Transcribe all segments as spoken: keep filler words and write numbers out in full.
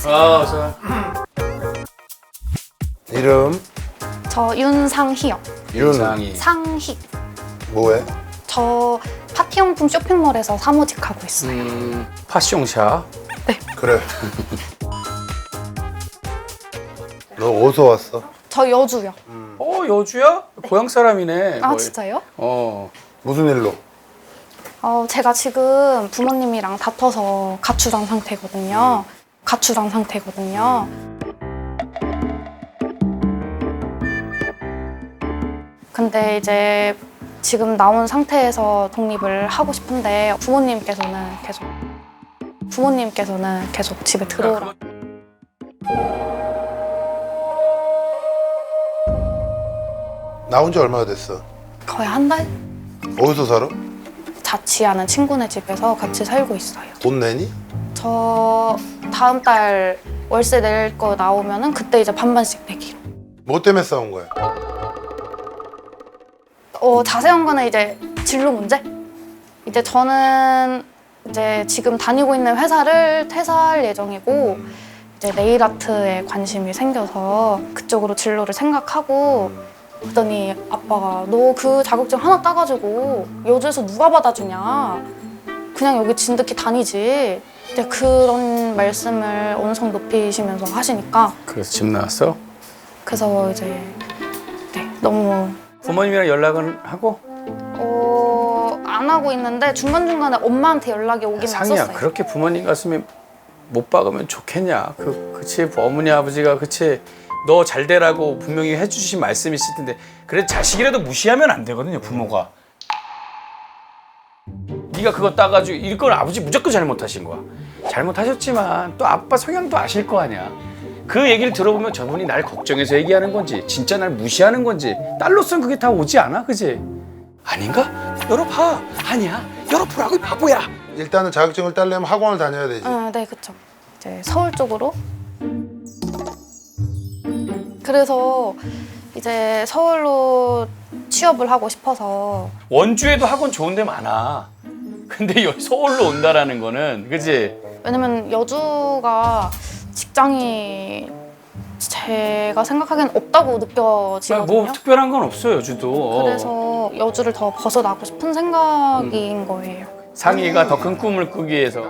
안녕하세요. 아, 어서. 이름 저 윤상희요. 윤상희. 상희. 뭐해? 저 파티용품 쇼핑몰에서 사무직하고 있어요. 음, 파숑샤. 그래. 너 어디서 왔어? 저 여주요. 어, 여주야? 고향 사람이네. 아 거의. 진짜요? 어. 무슨 일로? 어, 제가 지금 부모님이랑 다퉈서 가출한 상태거든요. 가출한 상태거든요. 근데 이제 지금 나온 상태에서 독립을 하고 싶은데 부모님께서는 계속 부모님께서는 계속 집에 들어오라. 나온 지 얼마나 됐어? 거의 한 달? 어디서 살아? 자취하는 친구네 집에서 같이 살고 있어요. 돈 내니? 저 다음 달 월세 낼 거 나오면은 그때 이제 반반씩 내기로. 뭐 때문에 싸운 거야? 어, 자세한 거는 이제 진로 문제? 이제 저는 이제 지금 다니고 있는 회사를 퇴사할 예정이고 이제 네일 아트에 관심이 생겨서 그쪽으로 진로를 생각하고 그랬더니 아빠가 너 그 자격증 하나 따가지고 여주에서 누가 받아주냐 그냥 여기 진득히 다니지 이제 그런 말씀을 언성 높이시면서 하시니까 그래서 집 나왔어? 그래서 이제 네, 너무 부모님이랑 연락은 하고? 어, 안 하고 있는데 중간중간에 엄마한테 연락이 오긴 상이야, 왔었어요. 그렇게 부모님 가슴에 못 박으면 좋겠냐? 그, 그치, 어머니, 아버지가, 그치. 너 잘 되라고 분명히 해주신 말씀이 있을 텐데, 그래, 자식이라도 무시하면 안 되거든요, 부모가. 네가 그거 따가지고, 이걸 아버지 무조건 잘못하신 거야. 잘못하셨지만, 또 아빠 성향도 아실 거 아니야. 그 얘기를 들어보면 저분이 날 걱정해서 얘기하는 건지, 진짜 날 무시하는 건지, 딸로서는 그게 다 오지 않아, 그치? 아닌가? 열어봐. 아니야. 열어보라고, 이 바보야. 일단은 자격증을 따려면 학원을 다녀야 되지. 아, 네, 그쵸. 이제 서울 쪽으로. 그래서 이제 서울로 취업을 하고 싶어서 원주에도 학원 좋은 데 많아. 근데 여기 서울로 온다라는 거는, 그치? 왜냐면 여주가 직장이 제가 생각하기엔 없다고 느껴지거든요. 뭐 특별한 건 없어요, 여주도. 그래서 여주를 더 벗어나고 싶은 생각인 거예요. 상희가 더 큰 꿈을 꾸기 위해서.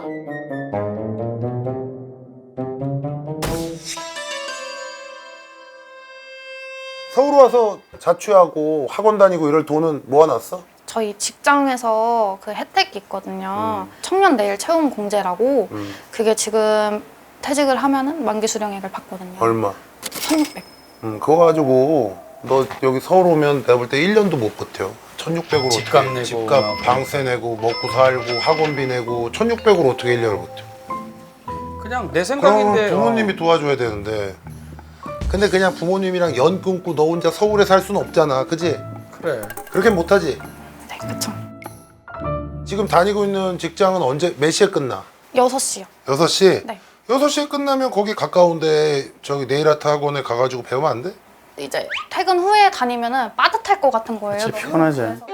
서울 와서 자취하고 학원 다니고 이럴 돈은 모아놨어? 저희 직장에서 그 혜택이 있거든요. 청년 내일 채움 공제라고 음. 그게 지금 퇴직을 하면은 만기 수령액을 받거든요. 얼마? 천육백. 음, 그거 가지고 너 여기 서울 오면 내가 볼 때 일 년도 못 버텨. 천육백으로 집값 어떻게 내고 집값, 막. 방세 내고 먹고 살고 학원비 내고 천육백으로 어떻게 일 년을 버텨? 그냥 내 그럼 생각인데. 부모님이 어. 도와줘야 되는데 근데 그냥 부모님이랑 연 끊고 너 혼자 서울에 살 수는 없잖아, 그지? 그래. 그렇게 못하지? 네, 그쵸. 지금 다니고 있는 직장은 언제 몇 시에 끝나? 여섯 시요. 여섯 시? 네. 여섯 시에 끝나면 거기 가까운데 저기 네일아트 학원에 가가지고 배우면 안 돼? 이제 퇴근 후에 다니면은 빠듯할 것 같은 거예요. 그치, 너무. 피곤하지. 그래서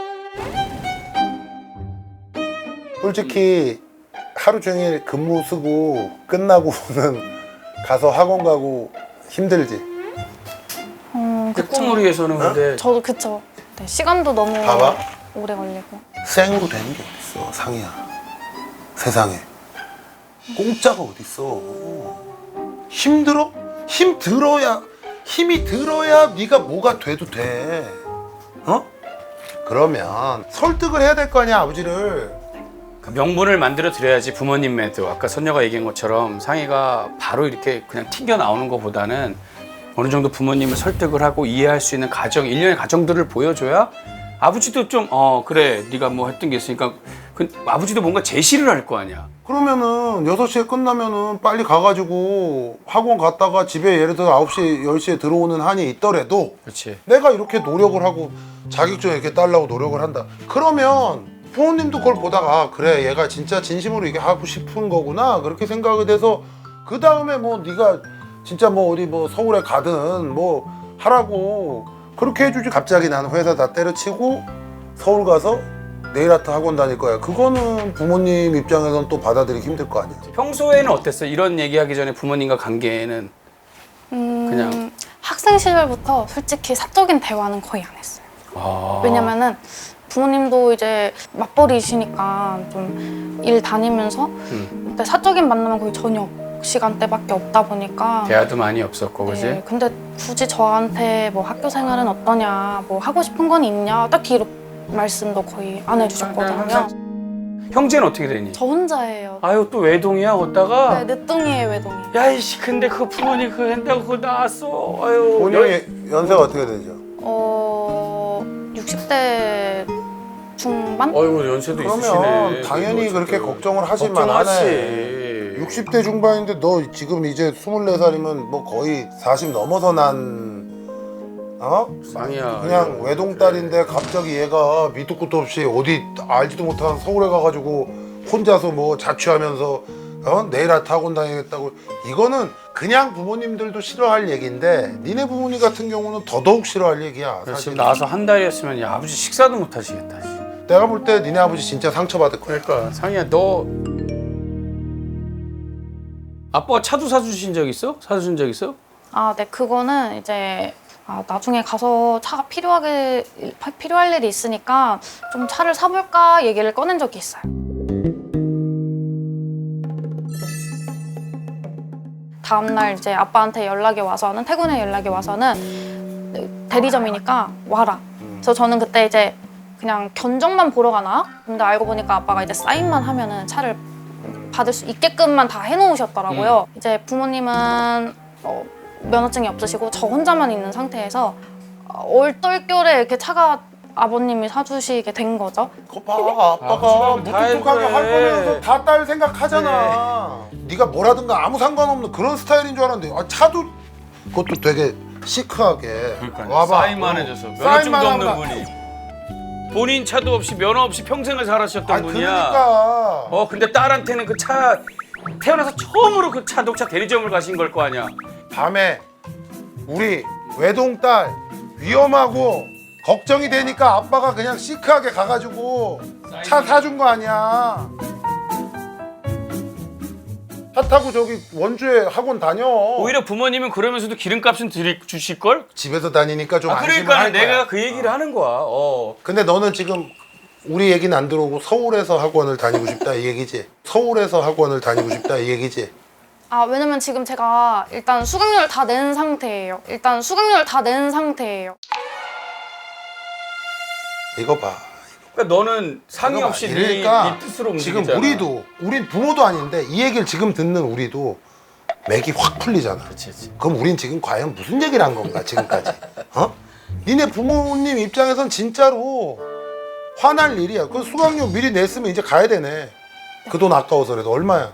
솔직히 하루 종일 근무 쓰고 끝나고는 가서 학원 가고 힘들지? 음, 그 그쵸. 꿈을 위해서는 근데 저도 그쵸. 네, 시간도 너무 봐봐. 오래 걸리고. 생으로 되는 게 어딨어, 상이야. 세상에. 공짜가 어딨어. 힘들어? 힘 들어야, 힘이 들어야 네가 뭐가 돼도 돼. 어? 그러면 설득을 해야 될 거 아니야, 아버지를. 그 명분을 만들어 드려야지. 부모님에도 아까 선녀가 얘기한 것처럼 상희가 바로 이렇게 그냥 튕겨 나오는 것보다는 어느 정도 부모님을 설득을 하고 이해할 수 있는 가정, 일련의 가정들을 보여줘야 아버지도 좀 어 그래 네가 뭐 했던 게 있으니까 그 아버지도 뭔가 제시를 할 거 아니야. 그러면은 여섯 시에 끝나면은 빨리 가가지고 학원 갔다가 집에 예를 들어 아홉 시, 열 시에 들어오는 한이 있더라도 그렇지. 내가 이렇게 노력을 하고 자격증 이렇게 따려고 노력을 한다. 그러면 부모님도 그걸 보다가 아, 그래 얘가 진짜 진심으로 이게 하고 싶은 거구나 그렇게 생각이 돼서 그 다음에 뭐 네가 진짜 뭐 어디 뭐 서울에 가든 뭐 하라고 그렇게 해주지. 갑자기 나는 회사 다 때려치고 서울 가서 네일 아트 학원 다닐 거야. 그거는 부모님 입장에서는 또 받아들이기 힘들 거 아니야. 평소에는 어땠어? 이런 얘기하기 전에 부모님과 관계는 음, 그냥- 학생 시절부터 솔직히 사적인 대화는 거의 안 했어요. 아... 왜냐면은 부모님도 이제 맞벌이시니까 좀 일 다니면서 음, 근데 사적인 만남은 거의 저녁 시간대밖에 없다 보니까 대화도 많이 없었고 그지? 네, 근데 굳이 저한테 뭐 학교 생활은 어떠냐, 뭐 하고 싶은 건 있냐, 딱히 이렇게 말씀도 거의 안 해주셨거든요. 형제는 어떻게 되니? 저 혼자예요. 아유 또 외동이야 걷다가? 네, 늦둥이에요, 외동이. 야이씨 근데 그 부모님 그거 한다고 그거 나왔어. 아유 본인이 연세가 어떻게 되죠? 어, 육십 대 중반? 어이구 연세도 그러면 있으시네. 당연히 그래도 그렇게 어쨌든. 걱정을 하실만 걱정하지. 하네. 육십 대 중반인데 너 지금 이제 스물네 살이면 뭐 거의 사십 넘어서 난 어? 쌍이야. 그냥 외동딸인데 갑자기 얘가 밑도 끝도 없이 어디 알지도 못한 서울에 가가지고 혼자서 뭐 자취하면서 어? 네일 아트 학원 다니겠다고. 이거는 그냥 부모님들도 싫어할 얘기인데 니네 부모님 같은 경우는 더더욱 싫어할 얘기야. 지금 사실. 나와서 한 달이었으면 야 아버지 식사도 못 하시겠다. 씨. 내가 볼 때 니네 아버지 진짜 상처받을 거야. 그러니까 상이야 너 아빠가 차도 사주신 적 있어? 사주신 적 있어? 아, 네, 그거는 이제 아, 나중에 가서 차가 필요하게 필요할 일이 있으니까 좀 차를 사볼까 얘기를 꺼낸 적이 있어요. 다음날 이제 아빠한테 연락이 와서는 퇴근에 연락이 와서는 대리점이니까 와라. 그래서 저는 그때 이제 그냥 견적만 보러 가나? 근데 알고 보니까 아빠가 이제 사인만 하면은 차를 받을 수 있게끔만 다 해놓으셨더라고요. 이제 부모님은 어, 면허증이 없으시고 저 혼자만 있는 상태에서 어, 얼떨결에 이렇게 차가 아버님이 사주시게 된 거죠. 그거 봐, 아빠가 아버지가 다 무뚝뚝하게 해줘야 할 해. 거면서 다 딸 생각하잖아. 네. 가 뭐라든가 아무 상관없는 그런 스타일인 줄 알았는데 아, 차도 그것도 되게 시크하게 그러니까 와봐. 사인만 어. 해줘서 면허증도 사인만 없는 하고 나- 분이 본인 차도 없이 면허 없이 평생을 살아셨던 아니, 분이야. 그러니까 어 근데 딸한테는 그 차 태어나서 처음으로 그 자동차 대리점을 가신 걸 거 아니야. 밤에 우리 외동딸 위험하고 걱정이 되니까 아빠가 그냥 시크하게 가가지고 차 사준 거 아니야. 차 타고 저기 원주에 학원 다녀. 오히려 부모님은 그러면서도 기름값은 드리, 주실 걸? 집에서 다니니까 좀 아 안심을 그러니까 할 거야. 내가 그 얘기를 하는 거야. 어. 근데 너는 지금 우리 얘기는 안 들어오고 서울에서 학원을 다니고 싶다 이 얘기지? 서울에서 학원을 다니고 싶다 이 얘기지? 아, 왜냐면 지금 제가 일단 수강료를 다 낸 상태예요. 일단 수강료를 다 낸 상태예요. 이거 봐. 그러니까 너는 상의 이거 봐. 없이 네, 이러니까 네 뜻으로 지금 움직이잖아. 우리도 우린 부모도 아닌데 이 얘기를 지금 듣는 우리도 맥이 확 풀리잖아. 그치, 그치. 그럼 우린 지금 과연 무슨 얘기를 한 건가 지금까지? 어? 니네 부모님 입장에선 진짜로 화날 일이야. 그 수강료 미리 냈으면 이제 가야 되네. 그 돈 아까워서라도 얼마야?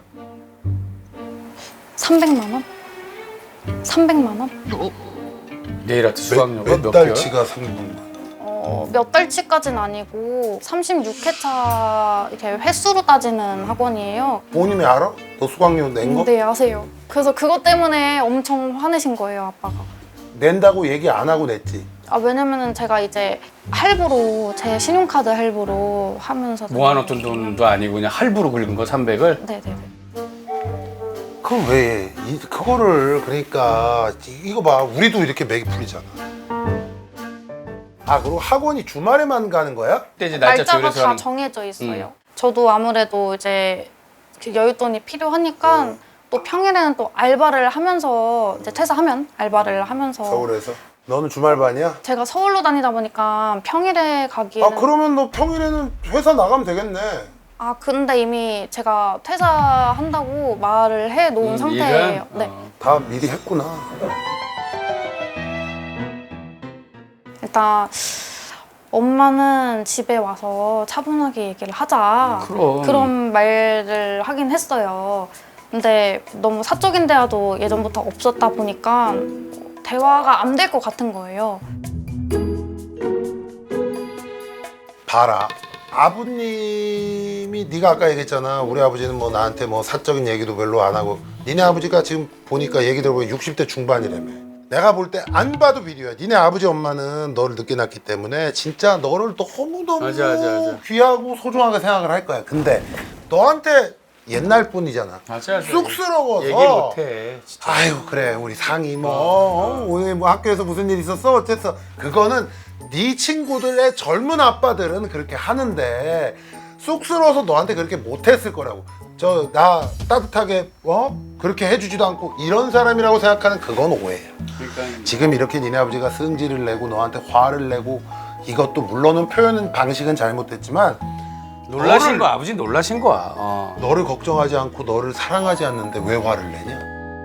삼백만 원? 삼백만 원? 네일 아트 수강료가 몇, 몇 개월? 달치가 삼백만. 어, 몇 달치까지는 아니고 삼십육 회차 이렇게 횟수로 따지는 학원이에요. 부모님이 알아? 너 수강료 낸 거? 네, 아세요. 그래서 그것 때문에 엄청 화내신 거예요, 아빠가. 낸다고 얘기 안 하고 냈지. 아, 왜냐면은 제가 이제 할부로 제 신용카드 할부로 하면서 모아놓던 돈도 아니고 그냥 할부로 긁은 거 삼백을? 네네네. 그럼 왜 이, 그거를 그러니까 이거 봐 우리도 이렇게 맥이 풀리잖아. 아 그리고 학원이 주말에만 가는 거야? 그때 이제 날짜 날짜가 조율해서 다 하는 정해져 있어요. 저도 아무래도 이제 그 여윳돈이 필요하니까 또 평일에는 또 알바를 하면서 이제 퇴사하면 알바를 하면서 서울에서? 너는 주말반이야? 제가 서울로 다니다 보니까 평일에 가기에는 아 그러면 너 평일에는 회사 나가면 되겠네. 아 근데 이미 제가 퇴사한다고 말을 해 놓은 음, 상태예요. 일은? 네. 어. 다 미리 했구나. 일단 엄마는 집에 와서 차분하게 얘기를 하자. 그럼. 그런 말을 하긴 했어요. 근데 너무 사적인 대화도 예전부터 없었다 보니까 대화가 안 될 것 같은 거예요. 봐라. 아버님이 네가 아까 얘기했잖아. 우리 아버지는 뭐 나한테 뭐 사적인 얘기도 별로 안 하고. 니네 아버지가 지금 보니까 얘기 들어보니 육십 대 중반이라며. 내가 볼 때 안 봐도 비디오야. 니네 아버지 엄마는 너를 늦게 낳기 때문에 진짜 너를 너무너무 맞아, 맞아, 맞아. 귀하고 소중하게 생각을 할 거야. 근데 너한테 옛날 뿐이잖아. 맞아, 맞아. 쑥스러워서 얘기 못해. 진짜. 아유 그래 우리 상이 뭐 어, 오늘 뭐 학교에서 무슨 일 있었어 어쨌어. 그거는 네 친구들의 젊은 아빠들은 그렇게 하는데 쑥스러워서 너한테 그렇게 못했을 거라고. 저 나 따뜻하게 어 그렇게 해주지도 않고 이런 사람이라고 생각하는 그건 오해예요. 그러니까 지금 이렇게 니네 아버지가 승질을 내고 너한테 화를 내고 이것도 물론은 표현 방식은 잘못됐지만 놀라신 너를- 거 아버지 놀라신 거야. 어. 너를 걱정하지 않고 너를 사랑하지 않는데 왜 화를 내냐?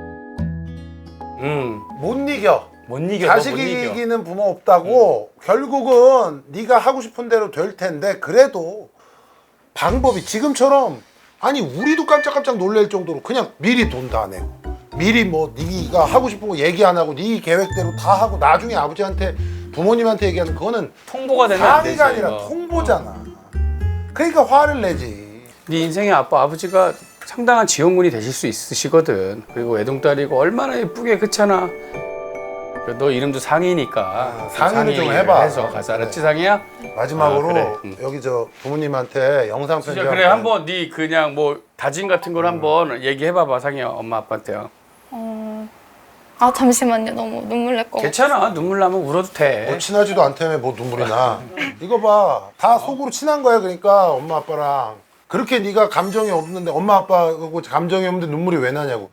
음. 못 이겨. 못 이겨. 자식 너못 이겨. 이기는 부모 없다고. 결국은 네가 하고 싶은 대로 될 텐데 그래도 방법이 지금처럼 아니 우리도 깜짝깜짝 놀랄 정도로 그냥 미리 돈 다 내고 미리 뭐 네가 하고 싶은 거 얘기 안 하고 네 계획대로 다 하고 나중에 아버지한테 부모님한테 얘기하는 그거는 통보가 되면 안 되지. 상의가 아니라 이거. 통보잖아. 그러니까 화를 내지. 네 인생의 아빠 아버지가 상당한 지원군이 되실 수 있으시거든. 그리고 외동딸이고 얼마나 예쁘게 그렇잖아. 너 이름도 상이니까 아, 상의를 좀 상의를 해봐. 해서 가서 알았지 상이야? 마지막으로 아, 그래. 응. 여기 저 부모님한테 영상 편지 진짜 그래 한번 네 그냥 뭐 다짐 같은 걸 한번 얘기해봐봐 상이야 엄마 아빠한테요. 어... 아 잠시만요. 너무 눈물 날 거. 괜찮아 눈물 나면 울어도 돼. 뭐 친하지도 않다며 뭐 눈물이 나. 이거 봐. 다 속으로 친한 거야. 그러니까 엄마 아빠랑. 그렇게 네가 감정이 없는데 엄마 아빠하고 감정이 없는데 눈물이 왜 나냐고.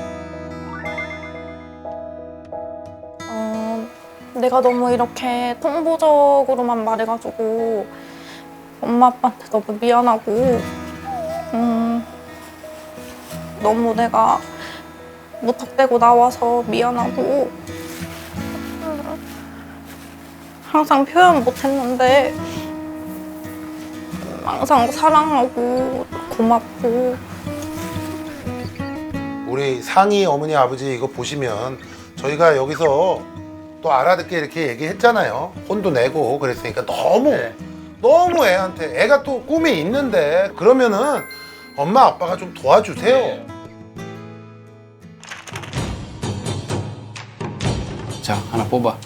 어... 내가 너무 이렇게 통보적으로만 말해가지고 엄마 아빠한테 너무 미안하고 음... 너무 내가 무턱대고 나와서 미안하고 항상 표현 못했는데 항상 사랑하고 고맙고 우리 상희 어머니 아버지 이거 보시면 저희가 여기서 또 알아듣게 이렇게 얘기했잖아요. 혼도 내고 그랬으니까 너무 네. 너무 애한테 애가 또 꿈이 있는데 그러면은 엄마 아빠가 좀 도와주세요. 네. 자 하나 뽑아.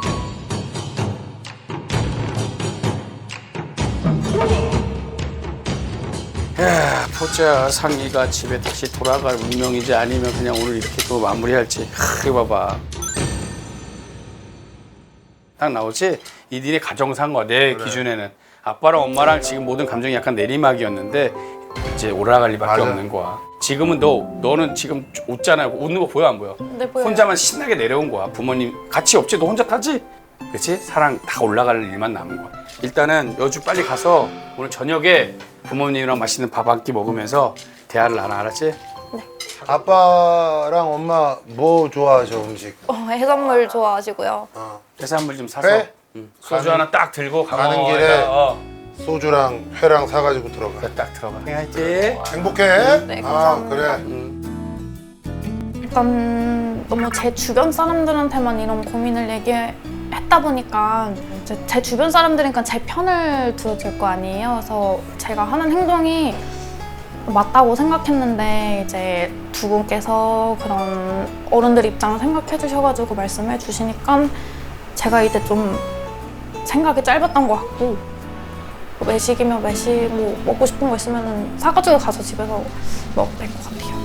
야 보자 상이가 집에 다시 돌아갈 운명이지 아니면 그냥 오늘 이렇게 또 마무리할지. 하, 이거 봐봐. 딱 나오지? 이 니네 가정상과 내 그래. 기준에는 아빠랑 엄마랑 지금 모든 감정이 약간 내리막이었는데 이제 올라갈 리밖에 맞아. 없는 거야. 지금은 너 너는 지금 웃잖아. 웃는 거 보여 안 보여? 네, 보여요. 혼자만 신나게 내려온 거야. 부모님 같이 없지? 너 혼자 타지? 그렇지? 사랑 다 올라갈 일만 남은 거야. 일단은 여주 빨리 가서 오늘 저녁에 부모님이랑 맛있는 밥 한 끼 먹으면서 대화를 나눠 알았지? 아빠랑 엄마 뭐 좋아하셔 음식? 어, 해산물 좋아하시고요. 어. 해산물 좀 사서 그래? 응. 소주 가는- 하나 딱 들고 가는 강어 길에 어, 소주랑 회랑 사가지고 들어가. 그래, 딱 들어가. 해야지. 행복해? 네, 아 감사합니다. 그래. 응. 일단 너무 제 주변 사람들한테만 이런 고민을 얘기했다 보니까 이제 제 주변 사람들이니까 제 편을 들어줄 거 아니에요. 그래서 제가 하는 행동이 맞다고 생각했는데 이제 두 분께서 그런 어른들 입장을 생각해 주셔가지고 말씀해 주시니까 제가 이제 좀 생각이 짧았던 것 같고 외식이면 외식 뭐 먹고 싶은 거 있으면 사가지고 가서 집에서 먹어도 될 것 같아요.